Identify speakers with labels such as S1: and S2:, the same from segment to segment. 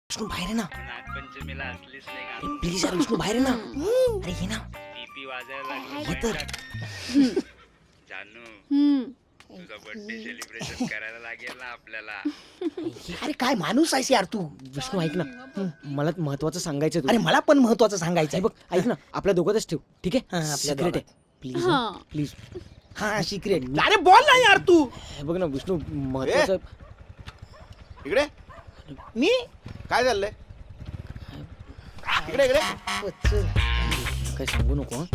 S1: विष्णू बाहेर आहे ना.
S2: नागपंचमीला असलीच नाही का?
S1: प्लीज यार विष्णू बाहेर आहे ना. अरे ये ना.
S2: टीपी वाजायला
S1: ये
S2: लागली
S1: तर.
S2: जानू तुझा बर्थडे सेलिब्रेशन करायला लागेल ना आपल्याला.
S1: अरे काय माणूस आहेस यार तू. विष्णू ऐक ना, मला महत्वाचं सांगायचं. अरे मला पण महत्वाचं सांगायचं आहे. बघ ऐक ना, आपल्या दोघातच ठेव, ठीक आहे? आपल्या सिक्रेट आहे. Please please. हा सिक्रेट. अरे बोल ना यार तू. बघ ना विष्णू, महत्वाचं.
S3: इकडे
S1: मी
S3: काय चाललंय? इकडे इकडे
S1: काय सांगू नको हं?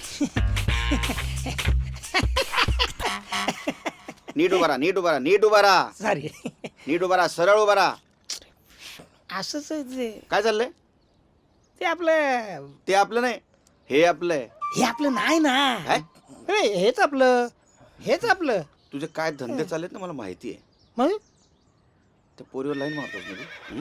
S3: नीट उभा राहा, नीट उभा राहा, नीट उभा राहा,
S1: सॉरी.
S3: नीट उभा राहा, सरळ उभा राहा.
S1: असंच आहे ते.
S3: काय चाललंय?
S1: ते आपलं,
S3: ते आपलं नाही, हे आपलं आहे.
S1: हे आपलं नाही ना.
S3: काय?
S1: अरे हेच आपलं, हेच आपलं.
S3: तुझे काय धंदे चाललेत ना मला माहिती आहे.
S1: मग
S3: त्या पोरीवर लाईन मारतोस ना तू?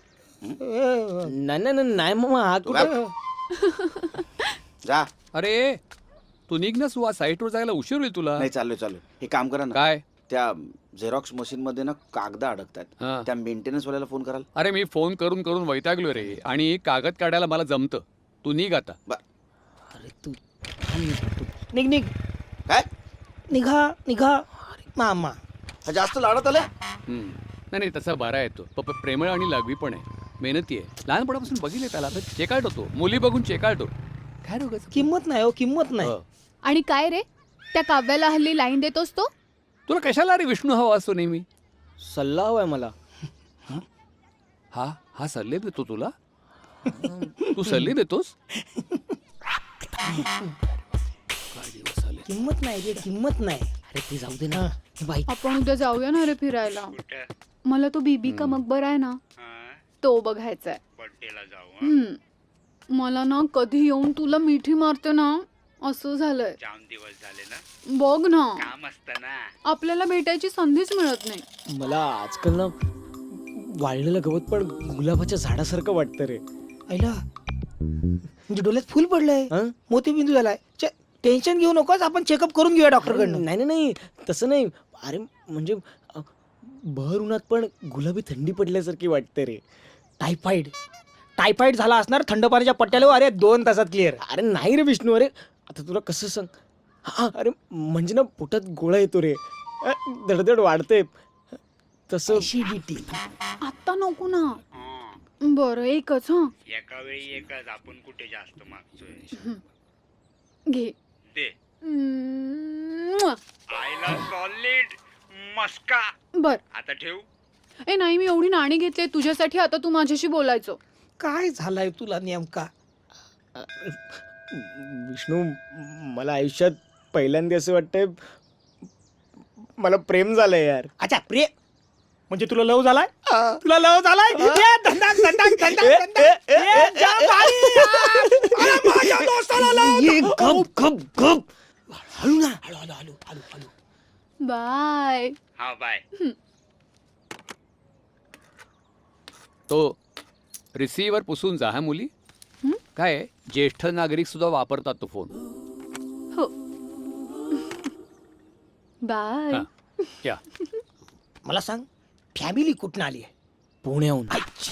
S1: नाही नाही नाही मामा, हा
S3: तू
S1: कुठं.
S3: जा.
S4: अरे तू निघ ना सुहा, साईटवर जायला उशीर होईल तुला.
S3: नाही चाललोय. हे काम करा ना,
S4: काय?
S3: त्या झेरॉक्स मशीन मध्ये ना कागद अडकतात.
S4: हा.
S3: त्या मेंटेनन्स वाल्याला फोन कराल.
S4: अरे मी फोन करून करून वैतागलो रे, आणि कागद काढायला मला जमतं. तू निघ आता.
S1: अरे तू निघ निघ.
S3: काय
S1: निघा निघा. मामा
S3: हा जास्त लाडत आले?
S4: नाही नाही, तसा बरा आहे तो. पप्पा प्रेमळ आणि लागवी पण आहे, मेहनती आहे. लहानपणापासून बघितले त्याला, चेकाट होतो, मुली बघून चेकाट होतो. काय रोगाचं?
S1: किंमत नाही हो, किंमत नाही.
S5: आणि काय रे, त्या काव्याला हल्ली लाईन देतोस तो?
S4: तुला कशाला रे विष्णू हवा असतो नेहमी?
S1: सल्ला हवाय मला.
S4: हा सल्ले देतो तुला? तू सल्ले देतोस?
S1: किंमत नाही रे, किंमत नाही. अरे ते जाऊ दे ना. हे बाई
S5: आपण उद्या जाऊया ना रे फिरायला.
S2: कुठं?
S5: मला तो बीबी का मकबर आहे ना,
S2: हा?
S5: तो बघायचा आहे.
S2: बर्थडेला जाऊ हं?
S5: मला ना कधी येऊन तुला मिठी मारते ना असं झालंय.
S2: जाम दिवस झाले ना,
S5: बघ ना,
S2: काम असतं ना.
S5: आपल्याला भेटायची संधीच मिळत नाही.
S1: मला आजकाल ना वाळलेलं गवत पण गुलाबाच्या झाडासारखं वाटतं रे. ऐला म्हणजे डोळ्यात फुल पडलंय, मोतीबिंदू झालाय. टेन्शन घेऊ नकोस, आपण चेकअप करून घेऊया डॉक्टरकडनं. नाही नाही तसं नाही. अरे म्हणजे भर उन्हात पण गुलाबी थंडी पडल्यासारखी वाटते रे. टायफॉइड टायफॉइड झाला असणार थंड पाण्याच्या पट्ट्याला. अरे 2 तासात क्लिअर. अरे नाही रे विष्णू. अरे आता तुला कसं सांग. हा अरे म्हणजे ना पोटात गोळा येतो रे, धडधड वाढते तसं. ऍसिडिटी.
S5: आता नको ना.
S2: हं.
S5: बरं एकच.
S2: एका वेळी एकच, आपण कुठे जास्त मागतोय.
S5: घे.
S2: दे.
S5: म्वा.
S2: आईला सॉलिड मस्का.
S5: बर.
S2: आता ठेव.
S5: ए नाही, मी एवढी नाणी घेतली तुझ्यासाठी. आता तू माझ्याशी बोलायचो.
S1: काय झालाय तुला नेमका? विष्णू, मला आयुष्यात पहिल्यांदा असं वाटतंय मला प्रेम झालंय यार. अच्छा प्रेम म्हणजे तुला लव झालाय? तुला लव झालाय? हळू ना, हळू हळू हळू हळू हळू.
S5: बाय.
S2: हा बाय.
S4: तो रिसीवर पुसून जा हा मुली. काय आहे, ज्येष्ठ नागरिक सुद्धा वापरतात तो फोन.
S5: हो. बाय.
S4: हा. या.
S1: मला सांग, फॅमिली कुठून आली आहे? पुण्याहून.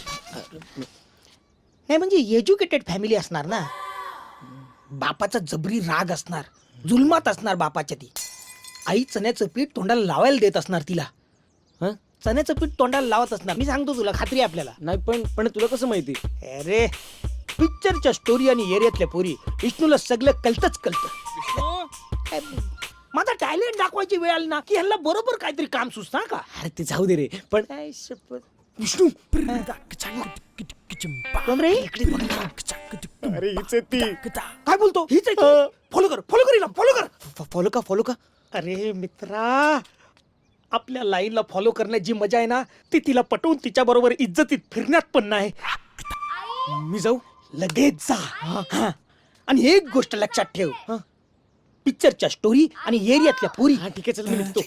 S1: नाही म्हणजे एज्युकेटेड फॅमिली असणार ना. बापाचा जबरी राग असणार, जुलमात असणार बापाच्या ती. आई चण्याचं पीठ तोंडाला लावायला देत असणार तिला. चण्याचं पीठ तोंडाला लावत असणार. मी सांगतो तुला, खात्री आपल्याला. नाही पण तुला कसं माहिती? अरे पिक्चरच्या स्टोरी आणि एरियातल्या पोरी विष्णूला सगळं कळतच कळतं. माझा टॅलेंट दाखवायची वेळ आली ना की ह्याला बरोबर काहीतरी काम सुचना का? अरे ते जाऊ दे रे. पण विष्णू कोण रे? अरे हीच आहे ती. काय बोलतो? हीच आहे. फॉलो कर, फॉलो कर हिला, फॉलो कर. फॉलो का, फॉलो का? अरे मित्रा, आपल्या लाईनला फॉलो करण्यात जी मजा आहे ना, ती तिला पटवून तिच्या बरोबर इज्जतीत फिरण्यात पण नाही. मी जाऊ? लगेच जा. हा. आणि एक गोष्ट लक्षात ठेव, पिक्चरच्या स्टोरी आणि एरियातल्या पोरी. ठीक आहे, चल मी निघतो.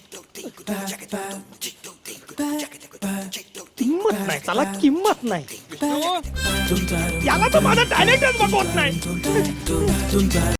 S1: किंमत नाही, चला किंमत नाही. याला तर माझा टॅलेंटच बघवत नाही.